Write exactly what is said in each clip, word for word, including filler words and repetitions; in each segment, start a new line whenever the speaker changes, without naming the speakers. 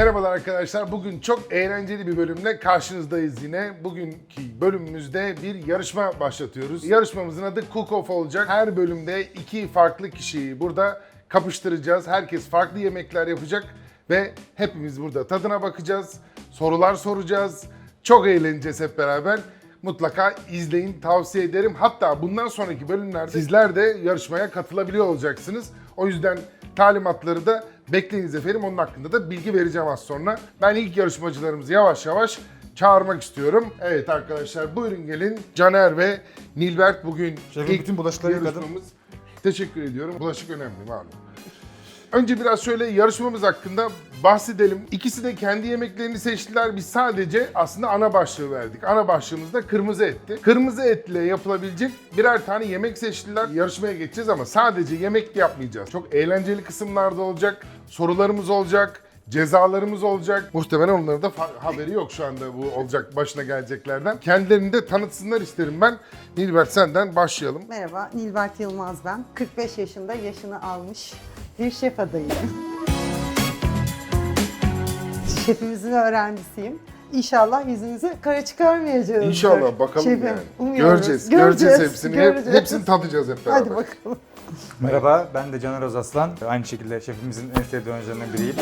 Merhabalar arkadaşlar. Bugün çok eğlenceli bir bölümle karşınızdayız yine. Bugünkü bölümümüzde bir yarışma başlatıyoruz. Yarışmamızın adı Cook Off olacak. Her bölümde iki farklı kişiyi burada kapıştıracağız. Herkes farklı yemekler yapacak ve hepimiz burada tadına bakacağız. Sorular soracağız. Çok eğleneceğiz hep beraber. Mutlaka izleyin, tavsiye ederim. Hatta bundan sonraki bölümlerde sizler de yarışmaya katılabiliyor olacaksınız. O yüzden talimatları da bekleyiniz efendim. Onun hakkında da bilgi vereceğim az sonra. Ben ilk yarışmacılarımızı yavaş yavaş çağırmak istiyorum. Evet arkadaşlar, buyurun gelin. Caner ve Nilbert bugün
Şefim,
ilk
bütün bulaşıkları yıkadım.
yarışmamız. Teşekkür ediyorum. Bulaşık önemli malum. Önce biraz şöyle yarışmamız hakkında bahsedelim. İkisi de kendi yemeklerini seçtiler. Biz sadece aslında ana başlığı verdik. Ana başlığımız da kırmızı etti. Kırmızı etle yapılabilecek birer tane yemek seçtiler. Yarışmaya geçeceğiz ama sadece yemek yapmayacağız. Çok eğlenceli kısımlarda olacak. Sorularımız olacak. Cezalarımız olacak. Muhtemelen onların da haberi yok şu anda bu olacak başına geleceklerden. Kendilerini de tanıtsınlar isterim ben. Nilbert, senden başlayalım.
Merhaba, Nilbert Yılmaz ben. kırk beş yaşında, yaşını almış bir şef adayıyım. Şefimizin öğrencisiyim. İnşallah yüzünüzü kara çıkarmayacağız.
İnşallah bakalım
Şefim,
yani.
umuyoruz.
Göreceğiz, göreceğiz, göreceğiz hepsini.
göreceğiz.
Hep, hepsini tadacağız hep beraber.
Hadi bakalım.
Merhaba, ben de Caner Özaslan. Aynı şekilde şefimizin en sevdiği oyuncularından biriyim.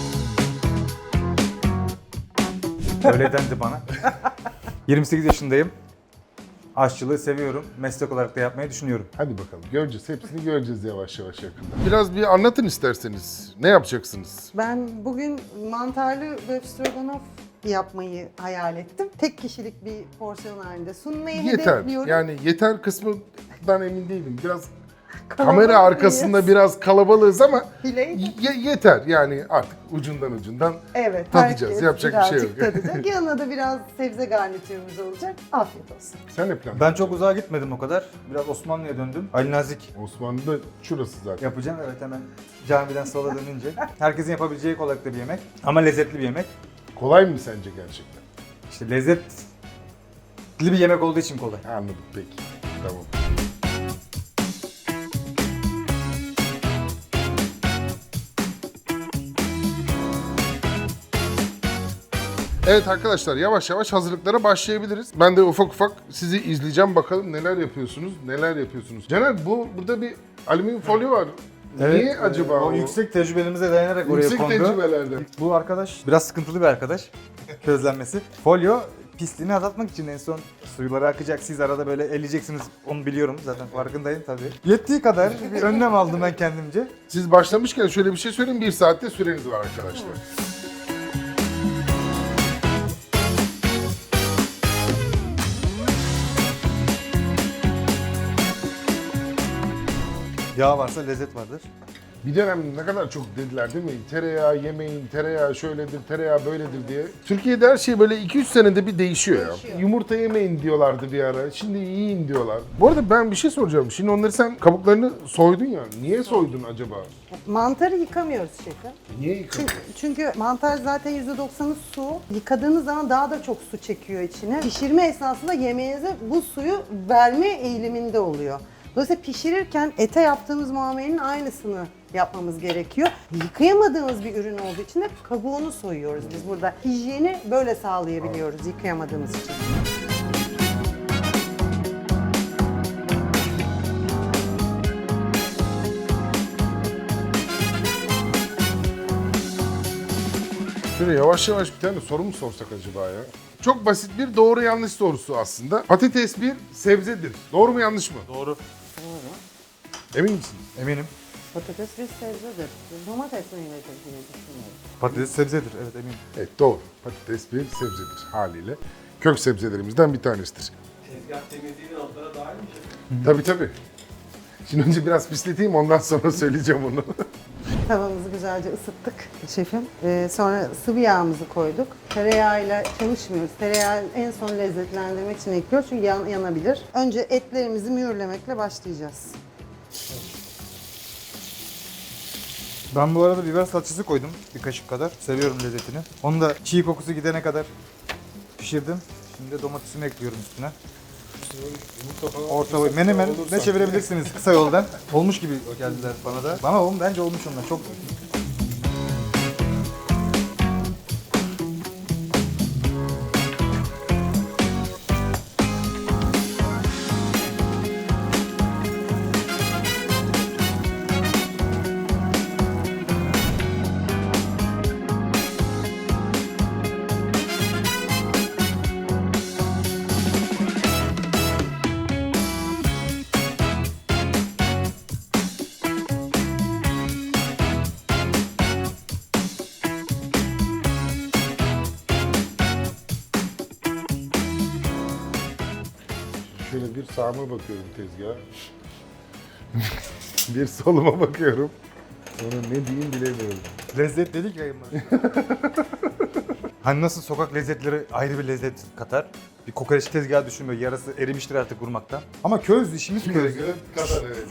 Öyle dendi bana. yirmi sekiz yaşındayım. Aşçılığı seviyorum. Meslek olarak da yapmayı düşünüyorum.
Hadi bakalım, göreceğiz. Hepsini göreceğiz yavaş yavaş yakında. Biraz bir anlatın isterseniz. Ne yapacaksınız?
Ben bugün mantarlı böf stroganoff yapmayı hayal ettim. Tek kişilik bir porsiyon halinde sunmayı
Yeter.
hedefliyorum.
Yani yeter kısmından emin değilim. Biraz
Kalabalık
kamera arkasında
mıyız?
biraz kalabalığız ama
Bileyim.
ye- yeter. Yani artık ucundan ucundan
Evet,
tadacağız.
herkes
Yapacak bir şey yok.
birazcık tadacak. Yanına da biraz sebze garnitürümüz olacak. Afiyet olsun.
Sen ne plan?
Ben çok uzağa gitmedim o kadar. Biraz Osmanlı'ya döndüm. Ali Nazik
Osmanlı'da şurası zaten.
yapacağım. Evet, hemen camiden sola dönünce. Herkesin yapabileceği kolaylıkta bir yemek. Ama lezzetli bir yemek.
Kolay mı sence gerçekten?
İşte lezzetli bir yemek olduğu için kolay.
Anladım, peki. Tamam. Evet arkadaşlar, yavaş yavaş hazırlıklara başlayabiliriz. Ben de ufak ufak sizi izleyeceğim, bakalım neler yapıyorsunuz, neler yapıyorsunuz. Caner, bu burada bir alüminyum folyo var. Niye acaba
o?
o?
yüksek tecrübelerimize dayanarak oraya
Yüksek
kondu.
tecrübelerden.
Bu arkadaş biraz sıkıntılı bir arkadaş. Közlenmesi. Folyo pisliğini azaltmak için en son suyuları akacak. Siz arada böyle elleyeceksiniz. Onu biliyorum zaten, farkındayım tabii. Yettiği kadar bir önlem aldım ben kendimce.
Siz başlamışken şöyle bir şey söyleyeyim, bir saatte süreniz var arkadaşlar.
Yağ varsa lezzet vardır.
Bir dönem ne kadar çok dediler değil mi? Tereyağı yemeyin, tereyağı şöyledir, tereyağı böyledir diye. Türkiye'de her şey böyle iki üç senede bir değişiyor,
Değişiyor.
ya. Yumurta yemeyin diyorlardı bir ara. Şimdi yiyin diyorlar. Bu arada ben bir şey soracağım. Şimdi onları sen kabuklarını soydun ya. Niye soydun acaba?
Mantarı yıkamıyoruz şefim.
Niye yıkadın?
Çünkü, çünkü mantar zaten yüzde doksanı su. Yıkadığınız zaman daha da çok su çekiyor içine. Pişirme esnasında yemeğinize bu suyu verme eğiliminde oluyor. Dolayısıyla pişirirken ete yaptığımız muamelenin aynısını yapmamız gerekiyor. Yıkayamadığımız bir ürün olduğu için de kabuğunu soyuyoruz biz burada. Hijyeni böyle sağlayabiliyoruz yıkayamadığımız için.
Şöyle yavaş yavaş bir tane soru mu sorsak acaba ya? Çok basit bir doğru yanlış sorusu aslında. Patates bir sebzedir. Doğru mu yanlış mı?
Doğru.
Emin misiniz?
Eminim.
Patates bir sebzedir. Domates meyvesi diye düşünüyorum.
Patates sebzedir. Evet, eminim.
Evet, doğru. Patates bir sebzedir haliyle. Kök sebzelerimizden bir tanesidir.
Tezgah temizliğinin altlara dahil mi şefim?
Tabii tabii. Şimdi önce biraz pisleteyim, ondan sonra söyleyeceğim onu.
Tavamızı güzelce ısıttık şefim. Ee, sonra sıvı yağımızı koyduk. Tereyağıyla çalışmıyoruz. Tereyağı en son lezzetlendirmek için ekliyoruz çünkü yan, yanabilir. Önce etlerimizi mühürlemekle başlayacağız.
Ben bu arada biber salçası koydum bir kaşık kadar. Seviyorum lezzetini. Onu da çiğ kokusu gidene kadar pişirdim. Şimdi domatesimi ekliyorum üstüne. Orta boy. Menemen ne çevirebilirsiniz kısa yoldan. Olmuş gibi geldiler bana da. Ama oğlum bence olmuş onlar. Çok
Şöyle bir sağıma bakıyorum tezgaha. Bir soluma bakıyorum. Sonra ne diyeyim bilemiyorum.
Lezzet dedik ya. Hani nasıl sokak lezzetleri ayrı bir lezzet katar. Bir kokoreç tezgahı düşün böyle yarası erimiştir artık vurmaktan. Ama köz işimiz köz.
Kadar evet.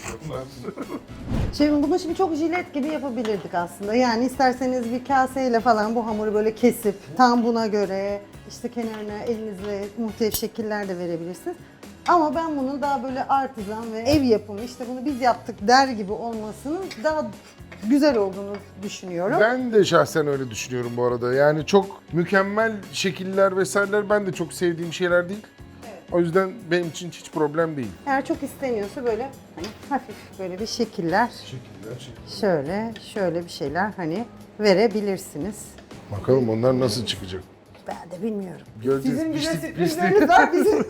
Şimdi bunu şimdi çok jilet gibi yapabilirdik aslında. Yani isterseniz bir kaseyle falan bu hamuru böyle kesip tam buna göre işte kenarına elinizle muhtelif şekiller de verebilirsiniz. Ama ben bunu daha böyle artizan ve ev yapımı işte bunu biz yaptık der gibi olmasının daha güzel olduğunu düşünüyorum.
Ben de şahsen öyle düşünüyorum bu arada. Yani çok mükemmel şekiller vesaireler ben de çok sevdiğim şeyler değil. O yüzden benim için hiç problem değil.
Eğer çok isteniyorsa böyle hani hafif böyle bir şekiller,
Şekiller, şekiller.
şöyle şöyle bir şeyler hani verebilirsiniz.
Bakalım onlar nasıl çıkacak.
Ben de bilmiyorum.
Göreceğiz.
Sizin bize
Pişti-
sürprizleriniz var bizim.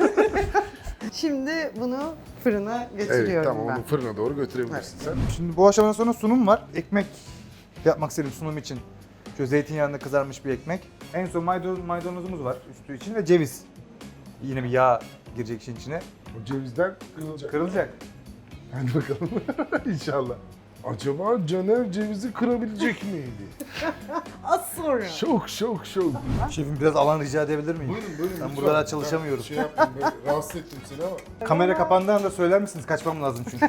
Şimdi bunu fırına götürüyorum
Evet tamam
ben.
onu fırına doğru götürebilirsin sen.
Şimdi bu aşamadan sonra sunum var. Ekmek yapmak istedim sunum için. Şöyle zeytinyağında kızarmış bir ekmek. En son maydanoz, maydanozumuz var üstü için ve ceviz. Yine bir yağ girecek işin içine.
O cevizler kırılacak.
Kırılacak.
Hadi bakalım inşallah. Acaba Caner cevizi kırabilecek miydi?
Az sonra.
Şok şok şok.
Şefim biraz alan rica edebilir miyim?
Buyurun buyurun.
Ben
lütfen.
burada daha çalışamıyorum.
Ben şey yaptım, böyle rahatsız ettim seni ama.
Kamera kapandığı anda söyler misiniz? Kaçmam lazım çünkü.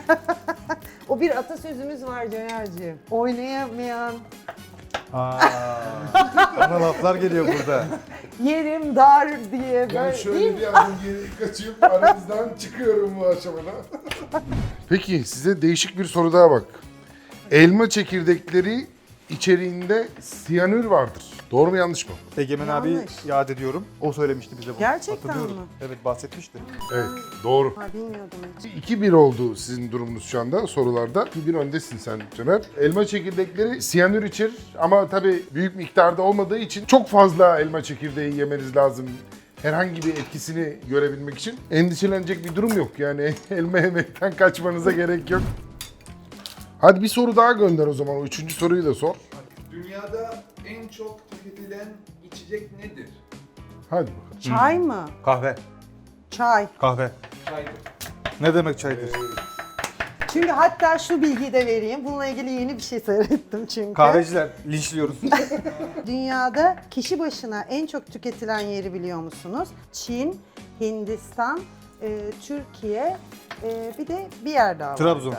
O bir atasözümüz var Caner'ciğim. Oynayamayan
Aa, ana laflar geliyor burada.
yerim dar diye
Ben
böyle
şöyle
değil mi?
bir adım geri kaçıp aranızdan çıkıyorum bu aşamada. Peki size değişik bir soru daha bak. Elma çekirdekleri içeriğinde siyanür vardır. Doğru mu yanlış mı?
Egemen abi
Yanlış.
yad ediyorum. O söylemişti bize bunu.
Gerçekten
Hatırlıyorum.
mi?
Evet bahsetmişti.
Evet doğru.
Ha, bilmiyordum hiç.
iki bir oldu sizin durumunuz şu anda sorularda. iki bir öndesin sen Caner. Elma çekirdekleri siyanür içerir ama tabii büyük miktarda olmadığı için çok fazla elma çekirdeği yemeniz lazım. Herhangi bir etkisini görebilmek için endişelenecek bir durum yok. Yani elma yemekten kaçmanıza gerek yok. Hadi bir soru daha gönder o zaman. O üçüncü soruyu da sor.
Dünyada en çok tüketilen içecek nedir?
Hadi bakalım.
Çay mı?
Kahve.
Çay.
Kahve.
Çaydır.
Ne demek çaydır?
Çünkü hatta şu bilgiyi de vereyim. Bununla ilgili yeni bir şey seyrettim çünkü.
Kahveciler linçliyoruz.
Dünyada kişi başına en çok tüketilen yeri biliyor musunuz? Çin, Hindistan, e, Türkiye, e, bir de bir yer daha var.
Trabzon.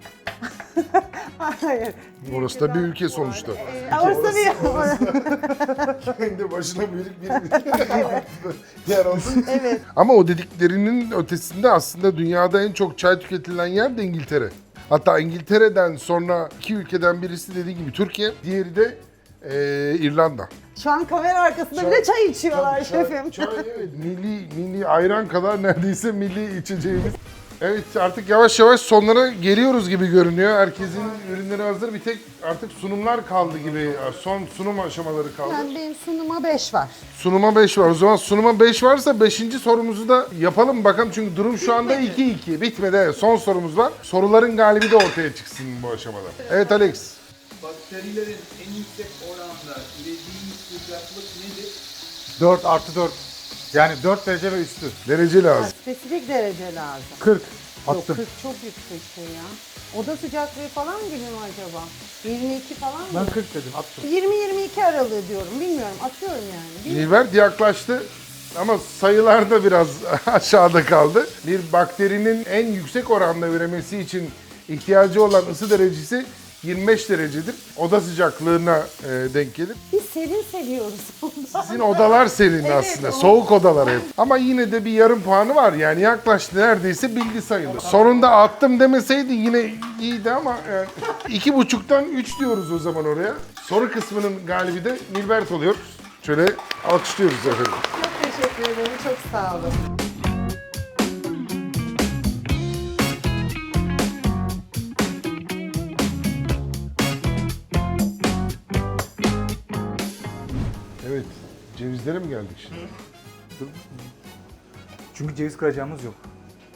Hayır.
Orası da bir ülke sonuçta.
E, orası da bir
Kendi başına büyük bir yer oldu.
Evet.
Ama o dediklerinin ötesinde aslında dünyada en çok çay tüketilen yer de İngiltere. Hatta İngiltere'den sonra iki ülkeden birisi dediği gibi Türkiye, diğeri de eee, İrlanda.
Şu an kamera arkasında
Çay-
bile çay içiyorlar
Çay-
şefim.
Çay, evet, milli, milli ayran kadar neredeyse milli içeceğimiz. Evet artık yavaş yavaş sonlara geliyoruz gibi görünüyor. Herkesin ürünleri hazır. Bir tek artık sunumlar kaldı gibi. Son sunum aşamaları kaldı.
Yani benim sunuma beş var.
Sunuma beş var. O zaman sunuma beş varsa beşinci sorumuzu da yapalım bakalım. Çünkü durum şu anda iki iki. Bitmedi. Evet, son sorumuz var. Soruların galibi de ortaya çıksın bu aşamada. Evet Alex.
Bakterilerin en yüksek oranda ürediği sıcaklık nedir?
dört artı dört. Yani dört derece ve üstü.
Derece
Ha,
lazım.
spesifik derece lazım.
kırk.
Yok
Attım.
kırk çok yüksek şey ya. Oda sıcaklığı falan gibi mi acaba? yirmi iki falan mı?
Ben kırk dedim attım.
yirmi yirmi iki aralığı diyorum. Bilmiyorum. Atıyorum yani. Bilmiyorum.
Nilbert yaklaştı. Ama sayılar da biraz aşağıda kaldı. Bir bakterinin en yüksek oranda üremesi için ihtiyacı olan ısı derecesi yirmi beş derecedir. Oda sıcaklığına e, denk gelir.
Biz serin seviyoruz ondan.
Sizin odalar serin
Evet,
aslında.
o-
Soğuk odalar hep. Ama yine de bir yarım puanı var. Yani yaklaştı neredeyse bildi sayılır. Sonunda attım demeseydi yine iyiydi ama yani iki buçuktan üç diyoruz o zaman oraya. Soru kısmının galibi de Nilbert oluyor. Şöyle alkışlıyoruz efendim.
Çok teşekkür ederim. Çok sağ olun.
Evet. Cevizlere mi geldik şimdi?
Çünkü ceviz kıracağımız yok.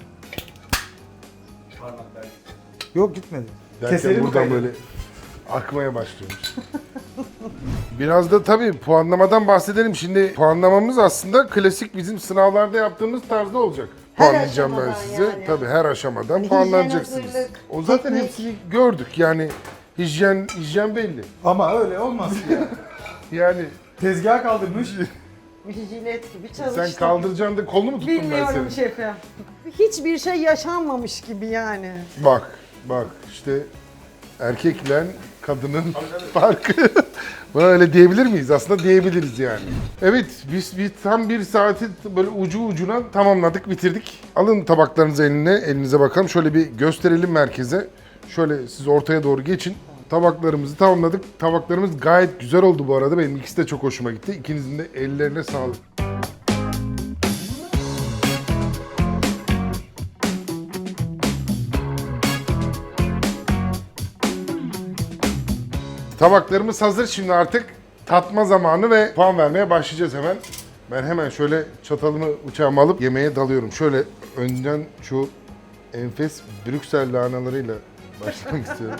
Parmaklar.
Yok gitmedi.
Derken
Keselim
buradan
kaydı.
böyle akmaya başlıyormuş. Biraz da tabii puanlamadan bahsedelim. Şimdi puanlamamız aslında klasik bizim sınavlarda yaptığımız tarzda olacak.
Her
puanlayacağım ben
aşamadan
size.
yani.
Tabii her aşamadan
Hani
puanlanacaksınız.
hijyen, hazırlık,
O zaten
teknik.
hepsini gördük yani hijyen hijyen belli.
Ama öyle olmaz ya.
Yani
Tezgaha kaldırmış.
Bir jilet gibi çalıştım.
sen kaldıracaksın da kolunu mu tuttum ben
Bilmiyorum
seni?
şefim. Hiçbir şey yaşanmamış gibi yani.
Bak bak işte erkekle kadının farkı. Buna öyle diyebilir miyiz? Aslında diyebiliriz yani. Evet, biz bir tam bir saati böyle ucu ucuna tamamladık, bitirdik. Alın tabaklarınızı eline, elinize bakalım. Şöyle bir gösterelim merkeze. Şöyle siz ortaya doğru geçin. Tabaklarımızı tamamladık. Tabaklarımız gayet güzel oldu bu arada. Benim ikisi de çok hoşuma gitti. İkinizin de ellerine sağlık. Tabaklarımız hazır. Şimdi artık tatma zamanı ve puan vermeye başlayacağız hemen. Ben hemen şöyle çatalımı bıçağımı alıp yemeğe dalıyorum. Şöyle önden şu enfes Brüksel lahanalarıyla başlamak istiyorum.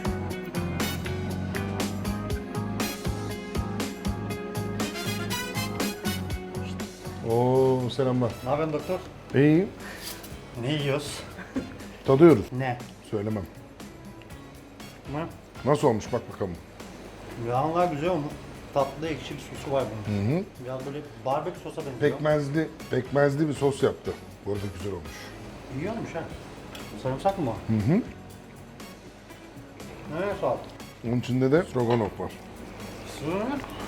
Oo selamlar.
Ne yapıyorsun doktor?
İyi.
Ne yiyoruz?
Tadıyoruz.
Ne?
Söylemem.
Ne?
Nasıl olmuş bak bakalım.
Yağlar güzel olmuş. Tatlı ekşi bir sosu var bunun.
Hı hı.
Biraz böyle barbekü sosa benziyor.
Pekmezli, pekmezli bir sos yaptı. Bu arada güzel olmuş.
İyi olmuş ha. Sarımsak mı?
Hı hı.
Ne sağ ol.
Onun içinde de stroganoff var.
Sığır.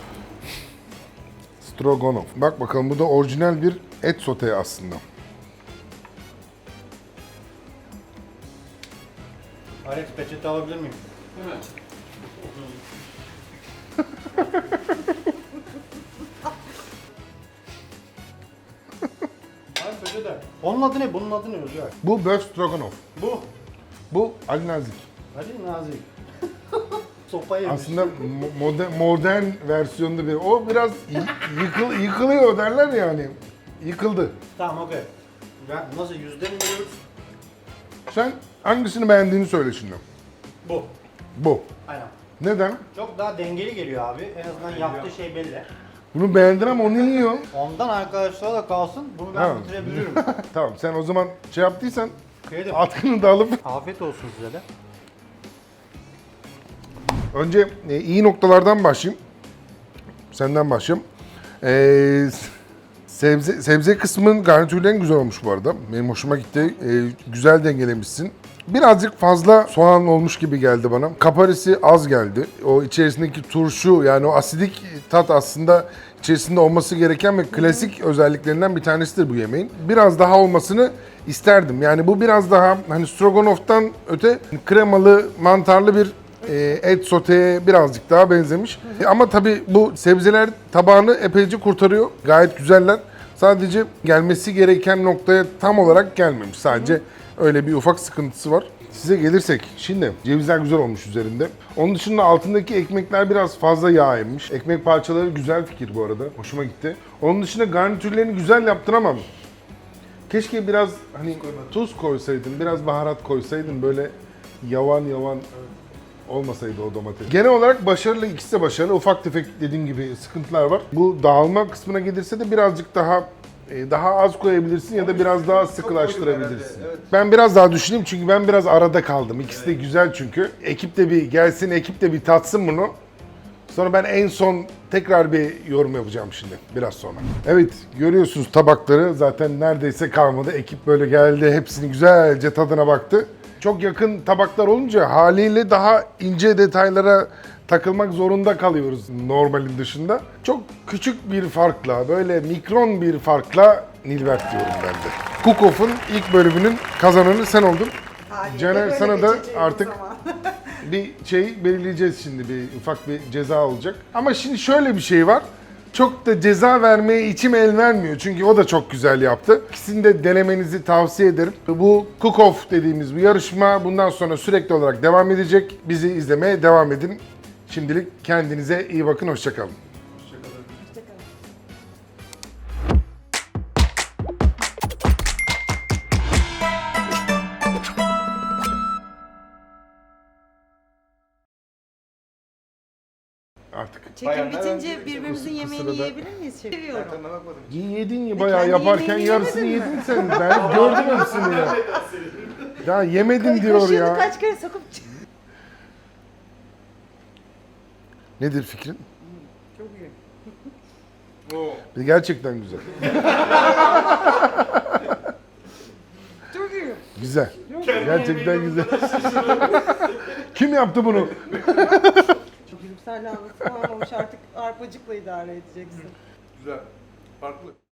Stroganoff. Bak bakalım bu da orijinal bir et sote aslında.
Alex peçete alabilir miyim?
Hemen.
Alex peçete. Onun adı ne? Bunun adı ne Özgür?
Bu böf stroganoff.
Bu.
Bu Ali Nazik.
Hadi Nazik. Sopa yemiş.
Aslında mo- modern, modern versiyonda bir. O biraz y- yıkıl, yıkılıyor derler yani. Yıkıldı.
Tamam okey. Ben nasıl yüzde mi veriyoruz?
Sen hangisini beğendiğini söyle şimdi.
Bu.
Bu.
Aynen.
Neden?
Çok daha dengeli geliyor abi. En azından yaptığı şey belli.
Bunu beğendin ama onu yiyor.
Ondan arkadaşlara da kalsın. Bunu ben
Ha.
bitirebilirim.
Tamam sen o zaman şey yaptıysan
Yedim.
atkını da alıp
Afiyet olsun size de.
önce e, iyi noktalardan başlayayım. Senden başlayayım. Ee, sebze sebze kısmın garnitürleri güzel olmuş bu arada. Benim hoşuma gitti. Ee, güzel dengelemişsin. Birazcık fazla soğan olmuş gibi geldi bana. Kaparisi az geldi. O içerisindeki turşu yani o asidik tat aslında içerisinde olması gereken ve klasik özelliklerinden bir tanesidir bu yemeğin. Biraz daha olmasını isterdim. Yani bu biraz daha hani stroganoff'tan öte kremalı, mantarlı bir e, et soteye birazcık daha benzemiş. E, Ama tabii bu sebzeler tabağını epeyce kurtarıyor. Gayet güzeller. Sadece gelmesi gereken noktaya tam olarak gelmemiş. Sadece öyle bir ufak sıkıntısı var. Size gelirsek şimdi cevizler güzel olmuş üzerinde. Onun dışında altındaki ekmekler biraz fazla yağ emmiş. Ekmek parçaları güzel fikir bu arada. Hoşuma gitti. Onun dışında garnitürlerini güzel yaptın ama keşke biraz hani tuz koysaydın, biraz baharat koysaydın böyle yavan yavan olmasaydı o domates. Genel olarak başarılı, ikisi de başarılı. Ufak tefek dediğim gibi sıkıntılar var. Bu dağılma kısmına gelirse de birazcık daha e, daha az koyabilirsin ya da biraz daha sıkılaştırabilirsin. Ben biraz daha düşüneyim çünkü ben biraz arada kaldım. İkisi de güzel çünkü. Ekip de bir gelsin, ekip de bir tatsın bunu. Sonra ben en son tekrar bir yorum yapacağım şimdi biraz sonra. Evet görüyorsunuz tabakları zaten neredeyse kalmadı. Ekip böyle geldi hepsini güzelce tadına baktı. Çok yakın tabaklar olunca haliyle daha ince detaylara takılmak zorunda kalıyoruz normalin dışında. Çok küçük bir farkla, böyle mikron bir farkla Nilbert diyorum ben de. Cook Off'un ilk bölümünün kazananı sen oldun.
Haliyle
Caner,
böyle
sana da
geçeceğimiz
artık
zaman.
bir şey belirleyeceğiz şimdi, bir ufak bir ceza olacak. Ama şimdi şöyle bir şey var. Çok da ceza vermeye içim el vermiyor çünkü o da çok güzel yaptı. İkisini de denemenizi tavsiye ederim. Bu Cook Off dediğimiz bu yarışma bundan sonra sürekli olarak devam edecek. Bizi izlemeye devam edin. Şimdilik kendinize iyi bakın, hoşça kalın. artık.
Çekim
Bayanlar
bitince
önce
birbirimizin
bu
yemeğini
sırada-
yiyebilir miyiz şef? Seviyorum.
Tadına bakmadım.
Yedin ya bayağı
kendi
yaparken
yemeğini
yarısını
yemedin
yedin sen. Ben gördüm hepsini ya. Ya yemedim diyor
Kaşığını
ya.
kaç kere sokup
Nedir fikrin?
Çok iyi.
Gerçekten güzel.
Çok iyi.
Güzel. Gerçekten güzel. Kim yaptı bunu?
Çok gülümserle anlatıp almamış artık arpacıkla idare edeceksin.
Güzel. Farklı.